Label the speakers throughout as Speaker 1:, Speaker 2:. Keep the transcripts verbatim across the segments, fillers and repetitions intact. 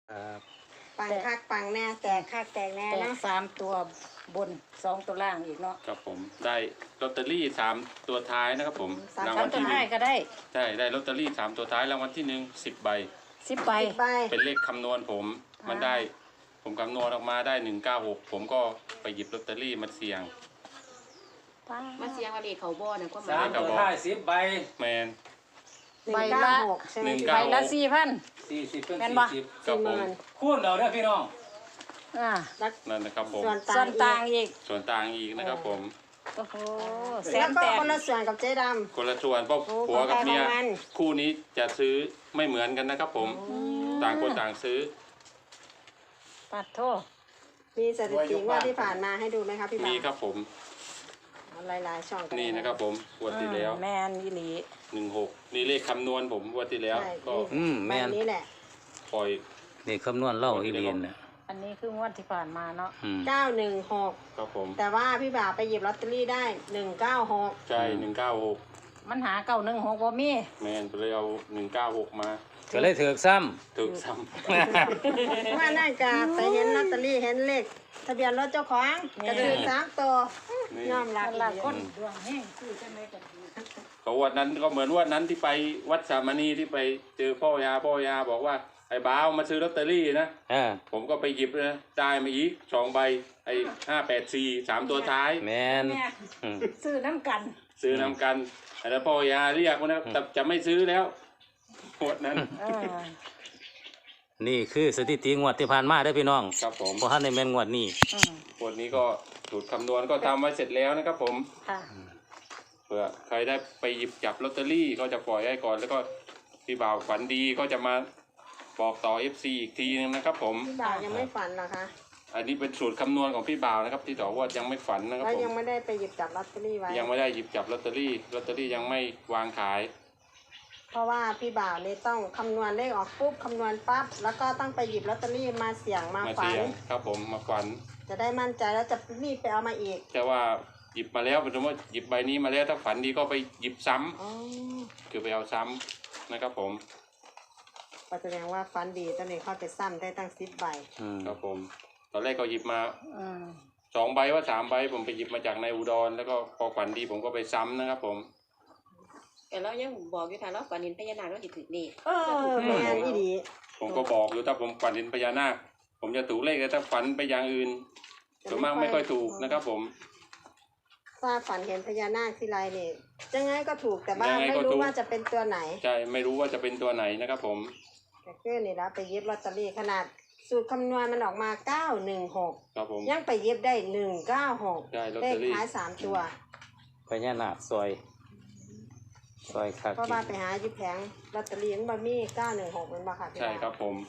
Speaker 1: ครับ
Speaker 2: ปังคักปังแน่แตกคักแตกแน่
Speaker 3: แตก
Speaker 2: เนาะ
Speaker 3: สามตัวบนสองตัวล่างอีกเนาะ
Speaker 1: ครับผมได้ลอตเตอรี่สามตัวท้ายนะครับผมราง
Speaker 3: สา
Speaker 1: วั
Speaker 3: ม
Speaker 1: ล
Speaker 3: ตัว
Speaker 1: ที่หนึ่
Speaker 3: ท้าย
Speaker 1: ง
Speaker 3: ก็ได้
Speaker 1: ใช่ได้ลอตเตอรี่สามตัวท้ายรางวัลที่หนึ่งสิบใบ
Speaker 3: สิบใบ
Speaker 2: สิบใบ
Speaker 1: เป็นเลขคำนวณผมมันได้ผมคำนวณออกมาได้หนึ่งเก้าหกผมก็ไปหยิบลอตเตอรี่มาเสี่ยง
Speaker 4: มาเสียงว่าเลขเขาบ่อนะก็
Speaker 1: สา
Speaker 4: มา
Speaker 1: ม
Speaker 5: ตัวท้ายสิบใบ
Speaker 1: แมน
Speaker 2: หนึ่งเก้าหกใช่ไหม
Speaker 1: หนึ่ง
Speaker 2: พี่
Speaker 1: เก้า
Speaker 3: ใบละสี่พัน
Speaker 5: สี่สิบเป็น
Speaker 3: แม่น
Speaker 5: สี่
Speaker 3: บ่
Speaker 5: สิบ
Speaker 1: ครับ
Speaker 2: สี่ห
Speaker 1: ผม
Speaker 2: มื่น
Speaker 5: คูณเอาเด้อพี่น้อง
Speaker 3: อ่า
Speaker 2: แล้ว
Speaker 1: นั่นนะครับผม
Speaker 2: ส่วน
Speaker 3: ส่วน
Speaker 2: ต่า
Speaker 3: ต่าง ง
Speaker 2: อีก
Speaker 3: อีก
Speaker 1: ส่วนต่างอีกนะครับผม
Speaker 3: โอ้โหแส
Speaker 2: แล้ว
Speaker 3: น
Speaker 2: ก็
Speaker 3: แตก
Speaker 2: คนละส่วนกับเจ๊ด
Speaker 1: คนละส่วนเพราะ
Speaker 2: โอ้
Speaker 1: ผัวกับเมีย
Speaker 2: ของใครของมัน
Speaker 1: คู่นี้จะซื้อไม่เหมือนกันนะครับผมต่างคนต่างซื้อ
Speaker 3: ปัดโทษ
Speaker 2: ำมีสถิติงว่าที่ผ่านมาให้ดูไหมครับพี่บ่าว
Speaker 1: มีครับผม
Speaker 2: เอาหลายๆช่องกั
Speaker 1: นี่นะครับผมงวดที่แล้ว
Speaker 3: แมนอีหลี
Speaker 1: หนึ่งหกนี่เลขคำนวณผมงวดที่แล้ว
Speaker 2: ใช่
Speaker 1: ก็
Speaker 5: อืม
Speaker 2: ใบ
Speaker 5: แม่น
Speaker 2: นี้แหละ
Speaker 1: ปล่อย
Speaker 5: นี่คำนวณเล่าอีเลียนน่ะ
Speaker 3: อันนี้คืองวดที่ผ่านมาเนาะ
Speaker 5: อืม
Speaker 2: เก้าหนึ่งหก
Speaker 1: ครับผม
Speaker 2: แต่ว่าพี่บ่าวไปหยิบลอตเตอรี่ได้หนึ่งเก้าหก
Speaker 1: ใช่หนึ่งเก้าหก
Speaker 3: มันหาเก้าหนึ่งหกบ่มี
Speaker 1: แมนไปเลยเอาหนึ่งเก้าหกมา
Speaker 5: ก็เลยถือกซ้
Speaker 1: ถึกซ้
Speaker 2: ว่าน่ากาไปเห็นลอตเตอรี่เห็นเลขทะเบียนรถเจ้าของกระดือสามตัว
Speaker 1: ำนี่
Speaker 2: ยอมรับ
Speaker 3: ต
Speaker 2: อี
Speaker 3: ลาด
Speaker 2: ก
Speaker 3: คนดวงแห้งคือจังไดกันดี
Speaker 1: เขาวันนั้นก็เหมือนวันนั้นที่ไปวัดสามณีที่ไปเจอพ่อยาพ่อยาบอกว่าไอ้บ้าวมาซื้อลอตเตอรี่นะ
Speaker 5: ำอ่า
Speaker 1: ผมก็ไปหยิบนะได้มาอีกสองใบไอ้ห้าแปดสี่สามตัวท้าย
Speaker 5: แม่น
Speaker 3: แม่
Speaker 5: อืม
Speaker 3: ซื้อน้ำกัน
Speaker 1: ซื้อนำกันแล้วพ่อยาเรียกว่านะแต่จะไม่ซื้อแล้วหมดนั้น
Speaker 3: เออ
Speaker 5: นี่คือสถิติงวดที่ผ่านมาได้อพี่น้อง
Speaker 1: ครับผม
Speaker 5: เพราะท่านในแม่นงวดนี้
Speaker 3: อืม
Speaker 1: หมดนี้ก็สูตรคำนวณก็ทำไว้เสร็จแล้วนะครับผม
Speaker 3: ค่ะ
Speaker 1: เผื่อใครได้ไปหยิบจับลอตเตอรี่ก็จะปล่อยให้ก่อนแล้วก็พี่บ่าวฝันดีก็จะมาบอกต่อ เอฟ ซี อีกทีนึงนะครับผม
Speaker 2: พี่บ่าวยังไม่ฝันเหรอคะ
Speaker 1: อันนี้เป็นสูตรคำนวณของพี่บ่าวนะครับที่ต่อว่ายังไม่ฝันนะครับ
Speaker 2: แล้ว
Speaker 1: ผม
Speaker 2: ยังไม่ได้ไปหยิบจับลอตเตอรี่ไว้
Speaker 1: ยังไม่ได้หยิบจับลอตเตอรี่ลอตเตอรี่ยังไม่วางขาย
Speaker 2: เพราะว่าพี่บ่าวนี่ต้องคำนวณเลขออกปุ๊บคำนวณปั๊บแล้วก็ต้องไปหยิบลอตเตอรี่มาเสี่ยงมา
Speaker 1: มา
Speaker 2: ฝัน
Speaker 1: เสี่ยงครับผมมาฝัน
Speaker 2: จะได้มั่นใจแล้วจะรีบไปเอามาอีก
Speaker 1: แต่ว่าหยิบมาแล้วเป็นสมมติว่าหยิบใบนี้มาแล้วถ้าฝันดีก็ไปหยิบซ้ำ
Speaker 2: อ๋อ
Speaker 1: คือไปเอาซ้ำนะครับผม
Speaker 2: ก็แสดงว่าฟันดีตอนนี้เข้าไปซ้ำได้ตั้งสิบใบ
Speaker 5: อืม
Speaker 1: ครับผมตอนแรกก็หยิบมา
Speaker 3: อืม
Speaker 1: สองใบว่าสามใบผมไปหยิบมาจากในอุดรแล้วก็พอฝันดีผมก็ไปซ้ำนะครับผม
Speaker 4: แต่เรายังบอกอยู่ทางเราฝันเห็นพญานาคเราสิถือเลข
Speaker 2: เออแม่นอีดี
Speaker 1: ผมก็บอกอยู่ถ้าผมฝันเห็นพญานาคผมจะถูกเลขแต่ถ้าฝันไปอย่างอื่นส่วนมากไม่ค่อยถูกนะครับผม
Speaker 2: ถ้าฝันเห็นพญานาคที่ไรเนี่ยยังไงก็ถูกแต่ว่า
Speaker 1: ยังไง
Speaker 2: ไม่
Speaker 1: ก็
Speaker 2: รู้
Speaker 1: ถูก
Speaker 2: ว่าจะเป็นตัวไหน
Speaker 1: ใช่ไม่รู้ว่าจะเป็นตัวไหนนะครับผม
Speaker 2: แต่คือนี่ละไปเย็บลอตเตอรี่ขนาดสูตรคำนวณมันออกมาเก้าหนึ่งหก
Speaker 1: ครับผม
Speaker 2: ยังไปเย็บได้หนึ่งเก้าหก
Speaker 1: ได้ลอต
Speaker 2: เล
Speaker 1: เต
Speaker 2: ข
Speaker 1: อรี่
Speaker 2: ท้ายสามตัว
Speaker 5: พญานาคซอยซอยคัก
Speaker 2: เพราะว่าไปหาอยู่แผงลอตเตอรี่มันบะมี่เก้าหนึ่งหกมันบ่ค่ะพี่
Speaker 1: ใช่
Speaker 2: บ่าว
Speaker 1: ครับผม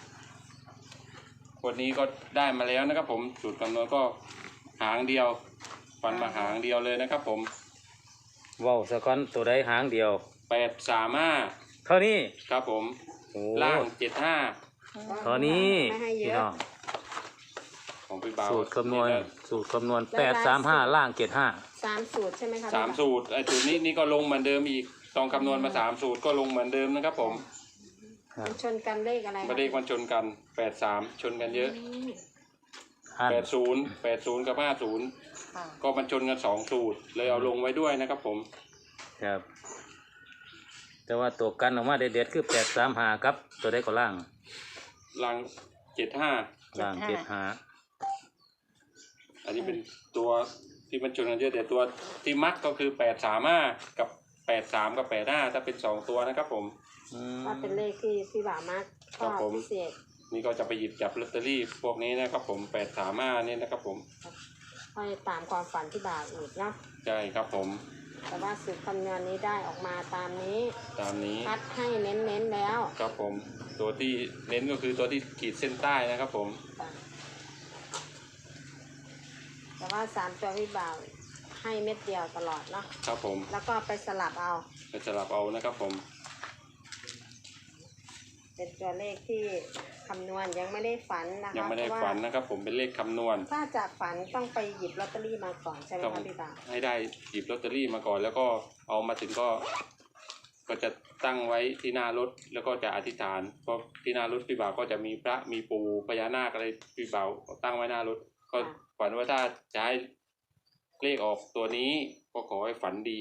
Speaker 1: วันนี้ก็ได้มาแล้วนะครับผมสูตรคำนวณก็หางเดียวฟันมาหางเดียวเลยนะครับผม
Speaker 5: เว้าสะก้อนตัวใดหางเดียว
Speaker 1: แปดสามห้า
Speaker 5: เท่านี้
Speaker 1: ครับผม
Speaker 5: โอ้
Speaker 1: ล่างเจ็ดห้า
Speaker 5: เท่านี้
Speaker 2: ไม่ให้เย
Speaker 5: พี่
Speaker 2: อะ
Speaker 5: น้อง
Speaker 1: ของพี่บ่าว
Speaker 5: สูตรคำนวณ
Speaker 1: นะ
Speaker 5: สูตรคำนวณแปดสามห้าล่างเจ็ดห้า
Speaker 2: สามสูตรใช่ไหมคะ
Speaker 1: สาม
Speaker 2: พี่บ่ว
Speaker 1: สูตรไอ้สูตรนี้นี่ก็ลงเหมือนเดิมอีกลองคำนวณมาสามสูตรก็ลงเหมือนเดิมนะครับผม
Speaker 2: มันชนกันเลขอะไร
Speaker 1: ไม่ได้มันชนกันแปดสามชนกันเยอะ
Speaker 2: อืม
Speaker 5: อัน
Speaker 1: แปดศูนย์แปดศูนย์กับห้าศูนย์
Speaker 3: ค่ะ
Speaker 1: ก็มันชนกันสองสูตรเลยเอาลงไว้ด้วยนะครับผม
Speaker 5: ครับ แต่ว่าตัวกันออกมาเด็ดๆคือแปดสามห้าครับ ตัวใดก็ล่าง
Speaker 1: ล่างเจ็ดห้า
Speaker 5: ล่างเจ็ดห้า
Speaker 1: อันนี้เป็นตัวที่มันชนกันเยอะแต่ตัวที่มักก็คือแปดสามห้ากับแปดสามกับแปดห้าถ้าเป็นสองตัวนะครับผม
Speaker 5: อืม
Speaker 2: ว่าเป็นเลขที่พี่บ่าวมากช
Speaker 1: ครั
Speaker 2: อ
Speaker 1: บบ ผม
Speaker 2: พิเศษ
Speaker 1: นี่ก็จะไปหยิบจับลอตเตอรี่พวกนี้นะครับผมแปดสามห้านี่นะครับผม
Speaker 2: ค่อยตามความฝันที่บ่าวอีกเนาะ
Speaker 1: ใช่ครับผม
Speaker 2: แต่ว่าสูตรคำนวณนี้ได้ออกมาตามนี้
Speaker 1: ตามนี้
Speaker 2: คัดให้เน้นๆแล้ว
Speaker 1: ครับผม ตัวที่เน้นก็คือตัวที่ขีดเส้นใต้นะครับผม
Speaker 2: แต่ว่าสามตัวพี่บ่าวให้เม็ดเดียวตลอดเนาะ
Speaker 1: ครับผม
Speaker 2: แล้วก็ไปสลับเอา
Speaker 1: ไปสลับเอานะครับผม
Speaker 2: เป็นตัวเลขที่คำนวณยังไม่ได้ฝันนะคะ
Speaker 1: ยังไม่ได้
Speaker 2: เพราะ
Speaker 1: ฝั
Speaker 2: ว่าน
Speaker 1: นะครับผมเป็นเลขคำนวณ
Speaker 2: ถ้าจากฝันต้องไปหยิบลอตเตอรี่มาก่อนใช่ไหม
Speaker 1: ต้อง
Speaker 2: คะพี่บ่าว
Speaker 1: ให้ได้หยิบลอตเตอรี่มาก่อนแล้วก็เอามาถึงก็ ก็จะตั้งไว้ที่หน้ารถแล้วก็จะอธิษฐานเพราะที่หน้ารถพี่บ่าวก็จะมีพระมีปู่พญานาคอะไรพี่บ่าวตั้งไว้หน้ารถก็ฝันว่าถ้าจะให้เลขออกตัวนี้ก็ขอให้ฝันดี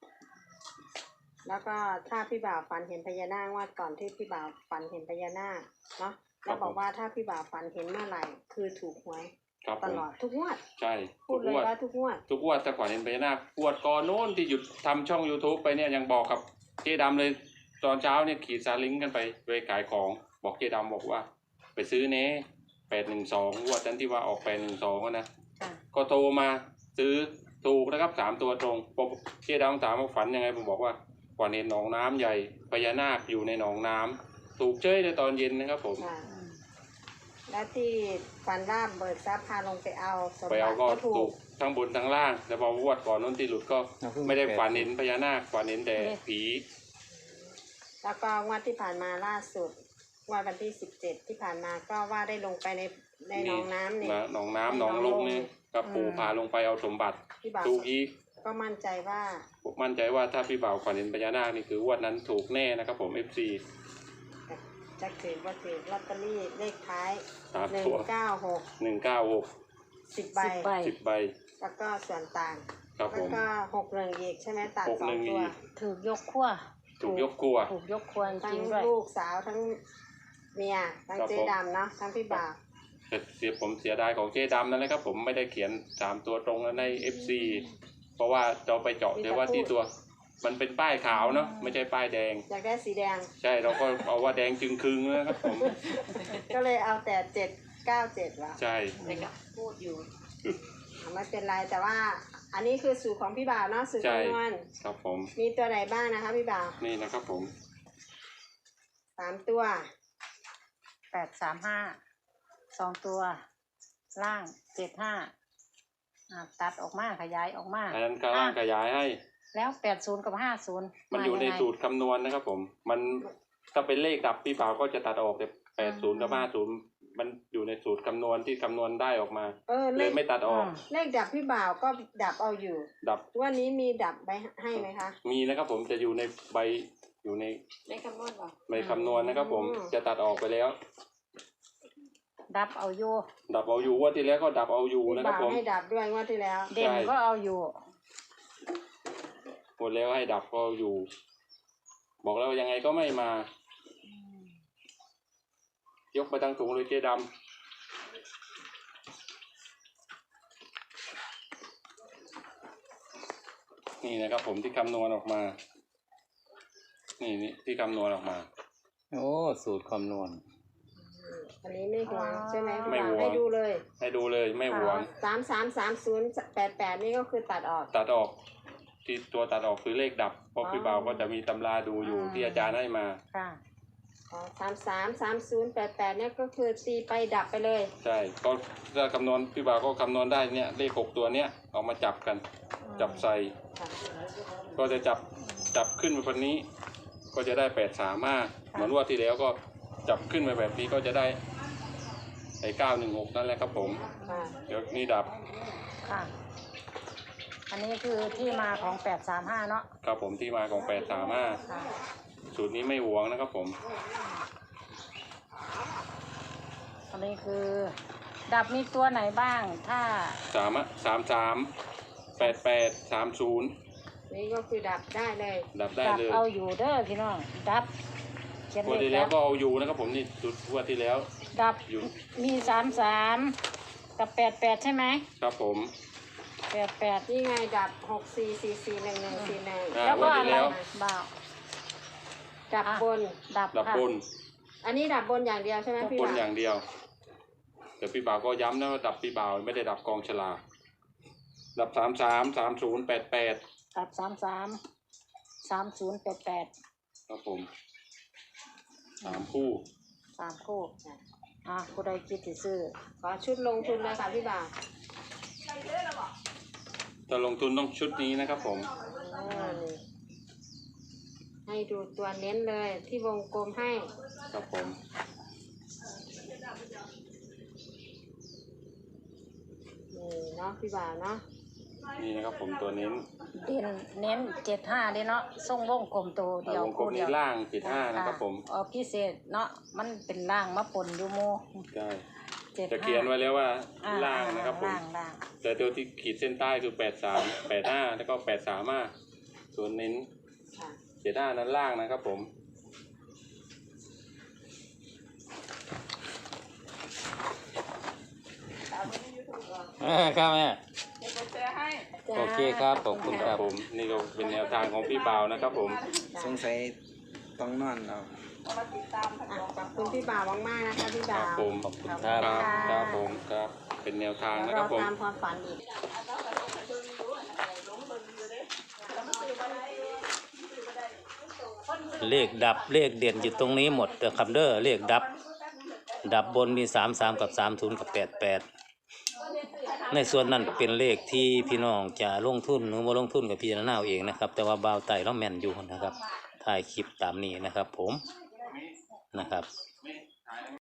Speaker 2: แล้วก็ถ้าพี่บ่าวฝันเห็นพญานาคว่าก่อนที่พี่บ่าวฝันเห็นพญานาคเนาะแล้วบอกว่าถ้าพี่บ่าวฝันเห็นเมื่อไหร่คือถูกหวย
Speaker 1: ครับ
Speaker 2: ต
Speaker 1: ผม
Speaker 2: ลอดทุกงวด
Speaker 1: ใช่
Speaker 2: พูดเลย
Speaker 1: ทุกงวด
Speaker 2: ว่าทุกงวด
Speaker 1: ทุกงวดแต่ก่อนเห็นพญานาคปวดก่อนโน้นที่หยุดทำช่อง YouTube ไปเนี่ยยังบอกกับเจ๊ดำเลยตอนเช้าเนี่ยขี่ซาเลิงกันไปไปขายของบอกเจ๊ดำบอกว่า ไปซื้อเน้แปดหนึ่งสองงวดนั้นที่ว่าออกแปดหนึ่งสองนะ
Speaker 3: ค่ะ
Speaker 1: ก็โทรมาซื้อถูกนะครับสามตัวตรงผมเจ๊ดำถามว่าฝันยังไงผมบอกว่าฝันเห็นหนองน้ำใหญ่พญานาคอยู่ในหนองน้ำถูกเจ้ยในตอนเย็นนะครับผม
Speaker 2: ค่ะแล้วที่ฝันว่าเบิกทรัพย์พาลงไปเอาสม
Speaker 1: ไป
Speaker 2: บั
Speaker 1: เอา
Speaker 2: ติ
Speaker 1: ก็
Speaker 2: ก็ถู
Speaker 1: ถู
Speaker 2: ก
Speaker 1: กทั้งบนทั้งล่างแต่พอวดก่อนนู้นที่หลุดก็ไม่ได้ฝันเห็นพญานาคฝันเห็นแต่ผี
Speaker 2: แล้วก็งวดที่ผ่านมาล่าสุดงวดวันที่สิบเจ็ดที่ผ่านมาก็ว่าได้ลงไปในในหนองน้ำนี่
Speaker 1: หนองน้ำหนองลงนี่กับปู่พาลงไปเอาสมบัติ
Speaker 2: พี่บ่าว
Speaker 1: ถูกอีก
Speaker 2: ก็มั่นใจว่า
Speaker 1: ผมมั่นใจว่าถ้าพี่บ่าวฝันเห็นพญานาคนี่คือวดนั้นถูกแน่นะครับผม เอฟ ซี
Speaker 2: จะถือว่าถือลอตเตอรี่เลขท้าย
Speaker 1: สาม
Speaker 2: หนึ่ง
Speaker 1: ตัว
Speaker 2: เก้าหก
Speaker 1: หนึ่งเก้าหก
Speaker 2: สิบใบ
Speaker 3: สิบใบ
Speaker 1: สิบใบ
Speaker 2: แล้วก็ส่วนต่าง
Speaker 1: ครับ
Speaker 2: แล้
Speaker 1: ผ
Speaker 2: ว
Speaker 1: ม
Speaker 2: ก็หกหนึ่งอีกใช่ไหมตัด
Speaker 1: หก
Speaker 2: สอ
Speaker 1: หนึ่
Speaker 2: ง
Speaker 1: ง
Speaker 2: ตัว
Speaker 1: อีก
Speaker 3: ถูกยกขั้ว
Speaker 1: ถูกยกครัว
Speaker 3: ถูกยกครัวจ
Speaker 2: ทั้ง
Speaker 3: ริงด้วย
Speaker 2: ลูกสาวทั้งเมียทั้ง
Speaker 1: ครับ
Speaker 2: เจ๊
Speaker 1: ผม
Speaker 2: ดำเนาะทั้งพี่บ่าว
Speaker 1: แต่เสียผมเสียดายของเจ๊ดำนั่นแหละครับผมไม่ได้เขียนสามตัวตรงใน เอฟ ซี เพราะว่าเราไปเจาะเดี๋ยวว่าที่ตัว มันเป็นป้ายขาวเนาะไม่ใช่ป้ายแดง
Speaker 2: อยากได้สีแดง
Speaker 1: ใช่เราก็เอาว่าแดงจึงครึงนะครับผม
Speaker 2: ก็เลยเอาแต่เจ็ดเก้าเจ็ดว่ะ
Speaker 1: ใช่
Speaker 4: แต่ก็พูดอยู่
Speaker 2: ไม่เป็นไรแต่ว่า อันนี้คือสูตรของพี่บ่าวเนาะสูตร
Speaker 1: ใช่
Speaker 2: คำนวณ
Speaker 1: ครับผม
Speaker 2: มีตัวไหนบ้างนะคะพี่บ่าว
Speaker 1: นี่นะครับผม
Speaker 2: สามตัว
Speaker 3: แปดสามห้าสองตัว ล่างเจ็ดห้าอ่าตัดออกมาขยายออกมา
Speaker 1: อันนั้นก็ล่างขยายให้
Speaker 3: แล้วแปดศูนย์กับห้าศูนย์
Speaker 1: มันอยู่ในสูตรคำนวณนะครับผม มันถ้าเป็นเลขดับพี่บ่าวก็จะตัดออกแต่แปดศูนย์กับห้าศูนย์มันอยู่ในสูตรคำนวณที่คำนวณได้ออกมา
Speaker 2: เออ
Speaker 1: เล
Speaker 2: เลย ข
Speaker 1: ไม่ตัดออก
Speaker 2: เลขดับพี่บ่าวก็ดับเอาอยู่
Speaker 1: ดับ
Speaker 2: วันนี้มีดับไปให้ไหมคะ
Speaker 1: มีนะครับผมจะอยู่ในใบอยู่ใน
Speaker 4: ในคำนวณบ่
Speaker 1: ใบคำนวณนะครับผม
Speaker 2: อืม
Speaker 1: จะตัดออกไปแล้ว
Speaker 3: ดับเอาอยู่
Speaker 1: ดับเอาอยู่ว่าที่แล้วก็ดับเอาอยู่
Speaker 2: พี่
Speaker 1: นะครับ
Speaker 2: บ่าว
Speaker 1: ผม
Speaker 2: ให้ดับด้วยงวดที่แล้ว
Speaker 3: เด่นก็เอาอยู่
Speaker 1: หมดแล้วให้ดับก็เอาอยู่ บอกแล้วยังไงก็ไม่มา ยกไปทางถุงเลยเจ๊ดำนี่นะครับผมที่คำนวณออกมา นี่นี่ที่คำนวณออกมา
Speaker 5: โอ้สูตรคำนวณ
Speaker 2: อันนี้ไม่ห่วงใช่ไหมพี่
Speaker 1: ไม่
Speaker 2: บ่าว
Speaker 1: ห่วง
Speaker 2: ให้ดูเลย
Speaker 1: ให้ดูเลยไม่หวง
Speaker 2: สามสามสามศูนย์แปดแปดนี่ก็คือตัดออก
Speaker 1: ตัดออก ที่ตัวตัดออกคือเลขดับเพราะพี่บ่าวก็จะมีตำราดูอยู่ที่อาจารย์ให้มา
Speaker 3: ค่ะ
Speaker 2: สามสามสามศูนย์แปดแปดเนี่ยก็คือตีไปดับไปเลย
Speaker 1: ใช่ก็ถ้าคำนวณพี่บ่าวก็คำนวณได้เนี่ยเลขหกตัวเนี้ยเอามาจับกัน จับใส่
Speaker 2: ค่ะ
Speaker 1: ก็จะจับจับขึ้นมาแบบนี้ ก็จะได้แปดสามห้าเหมือนว่าที่แล้วก็จับขึ้นมาแบบนี้ก็จะได้ไอ้เก้าหนึ่งหกนั่นแหละครับผม
Speaker 2: ค่ะ
Speaker 1: เดี๋ยวนี่ดับ
Speaker 3: ค่ะ อันนี้คือที่มาของแปดสามห้าเนาะ
Speaker 1: ครับผมที่มาของแปดสามห้า
Speaker 3: ค่ะ
Speaker 1: สูตรนี้ไม่หวงนะครับผม
Speaker 3: อันนี้คือ ดับมีตัวไหนบ้าง ถ้า
Speaker 1: สามสามสามแปดแปดสามศูนย์
Speaker 2: นี่ก็คือดับได้เลย
Speaker 1: ดับได้
Speaker 3: ดับ
Speaker 1: เลย
Speaker 3: เอาอยู่เด้อพี่น้อง ดับเขียน
Speaker 1: งวด
Speaker 3: เล
Speaker 1: ที่
Speaker 3: ข
Speaker 1: แล้ว
Speaker 3: ดับ
Speaker 1: ก็เอาอยู่นะครับผมนี่สูตรงวดที่แล้ว
Speaker 3: ดับ
Speaker 1: อยู่
Speaker 3: มีสามสามกับแปดแปดใช่ไหม
Speaker 1: ครับผม
Speaker 3: แปดแปด
Speaker 2: นี่ไงดับหกสี่สี่สี่หนึ่งหนึ่งสี่หนึ่ง
Speaker 1: อ่า
Speaker 3: แล้วก็
Speaker 1: งวด
Speaker 3: อะ
Speaker 1: ที่
Speaker 3: ไร
Speaker 1: แล้ว
Speaker 3: บ่าว
Speaker 2: ดับบน
Speaker 3: ดับ
Speaker 1: ดับ
Speaker 3: ค่ะ
Speaker 1: บน
Speaker 2: อันนี้ดับบนอย่างเดียวใช่ไหมพี่
Speaker 1: บน
Speaker 2: บ่าว
Speaker 1: อย่างเดียวแต่พี่บ่าวก็ย้ำนะว่าดับพี่บ่าวไม่ได้ดับกองฉลากดับสามสามสามศูนย์แปดแปด
Speaker 3: ดับสามสามสามศูนย์แปดแปด
Speaker 1: ครับผมสามคู่
Speaker 3: สามคู่อ่ะผู้ใดคิดสิซื้อ
Speaker 2: ขอชุดลงทุนเลยค่ะพี่บ่าว
Speaker 1: จะลงทุนต้องชุดนี้นะครับผม
Speaker 2: อ่านี่ให้ดูตัวเน้นเลยที่วงกลมให้
Speaker 1: ครับผม
Speaker 2: นี่เนาะพี่บ่าวเนาะ
Speaker 1: นี่นะครับผมตัวเน้น
Speaker 3: เด่นเน้นเจ็ดห้าเด้เนาะส่งวงกลมตัวเดียว
Speaker 1: วงกลม
Speaker 3: คู่เดี
Speaker 1: นี้
Speaker 3: ยว
Speaker 1: ล่างเจ็ดห้านะครับผม
Speaker 3: เออพิเศษเนาะมันเป็นล่างมาปนอยู่โม
Speaker 1: ใช่
Speaker 3: เจ็ด
Speaker 1: จะ
Speaker 3: ห้า
Speaker 1: เขียนไว้แล้วว่า
Speaker 3: อ่
Speaker 1: ล่างนะครับผม
Speaker 3: ล่างล่าง
Speaker 1: แต่ตัวที่ขีดเส้นใต้คือแปดสามแปดห้าแล้วก็แปดสามห้าส่วนเน้น
Speaker 2: ค่ะ
Speaker 1: เจ็ดห้านั้นล่างนะครับผม
Speaker 5: อ่าครับแม่
Speaker 2: จ้า
Speaker 5: โอเคครับขอบคุณครับ
Speaker 1: ผมนี่ก็เป็นแนวทางของพี่บ่าวนะครับผม
Speaker 6: สงสัยต้องนอนเรา
Speaker 2: อ่ะขอบคุณพี่บ่าวมากๆนะคะพี่
Speaker 1: ค
Speaker 2: บ่า
Speaker 1: รับ
Speaker 2: ว
Speaker 1: ผม
Speaker 5: ขอบคุณ
Speaker 1: ค
Speaker 5: ครั
Speaker 1: รับบ ครับผมครับเป็นแนวทางนะ
Speaker 2: เดี๋ยว
Speaker 1: ค
Speaker 2: เรา
Speaker 1: รับผม
Speaker 2: ตามความฝันอีก
Speaker 5: เลขดับเลขเด่นอยู่ตรงนี้หมดเด้อครับเด้อเลขดับ ดับบนมีสามสามกับสามศูนย์กับแปดแปดในส่วนนั้นเป็นเลขที่พี่น้องจะลงทุนหรือว่าลงทุนกับพี่นาเอาเองนะครับ แต่ว่าบ่าวไต่เราแม่นอยู่นะครับถ่ายคลิปตามนี้นะครับ ผมนะครับ